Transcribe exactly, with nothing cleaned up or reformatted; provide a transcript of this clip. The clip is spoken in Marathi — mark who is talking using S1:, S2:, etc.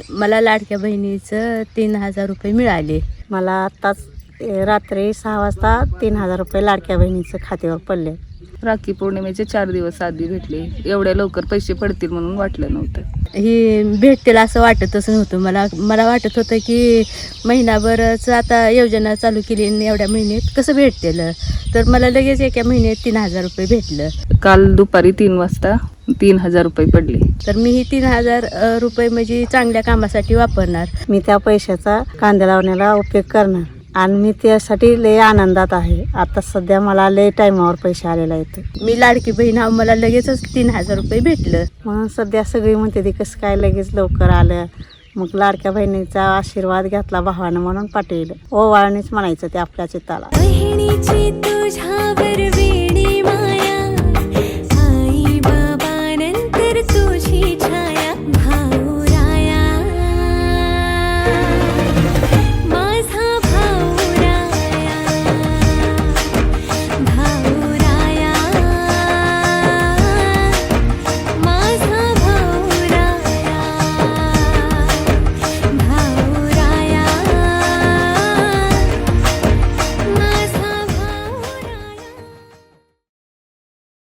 S1: मला लाडक्या बहिणीचं तीन हजार रुपये मिळाले.
S2: मला आत्ताच रात्री सहा वाजता तीन हजार रुपये लाडक्या बहिणीचं खात्यावर पडले.
S3: राखी पौर्णिमेचे चार दिवस आधी भेटले. एवढ्या लवकर पैसे पडतील म्हणून वाटलं नव्हतं.
S1: ही भेटतील असं वाटतच नव्हतं. मला मला वाटत होतं की महिनाभरच आता योजना चालू केली आणि एवढ्या महिन्यात कसं भेटतील, तर मला लगेच एका महिन्यात तीन हजार रुपये भेटलं.
S3: काल दुपारी तीन वाजता तीन हजार रुपये पडले.
S1: तर मी ही तीन हजार अ, रुपये म्हणजे चांगल्या कामासाठी वापरणार.
S2: मी त्या पैशाचा कांदा लावण्याला उपयोग करणार आणि मी त्यासाठी लय आनंदात आहे. आता सध्या मला लय टायमावर पैसे आलेले आहेत.
S1: मी लाडकी बहीण आहो, मला लगेचच तीन हजार रुपये भेटलं.
S2: म्हणून सध्या सगळी म्हणते ती कसं काय लगेच लवकर आलं. मग लाडक्या बहिणीचा आशीर्वाद घेतला भावानं म्हणून पाठवलं. ओवाळणीच म्हणायचं ते आपल्या चित्ताला.
S4: बहिणीची तुझ्यावर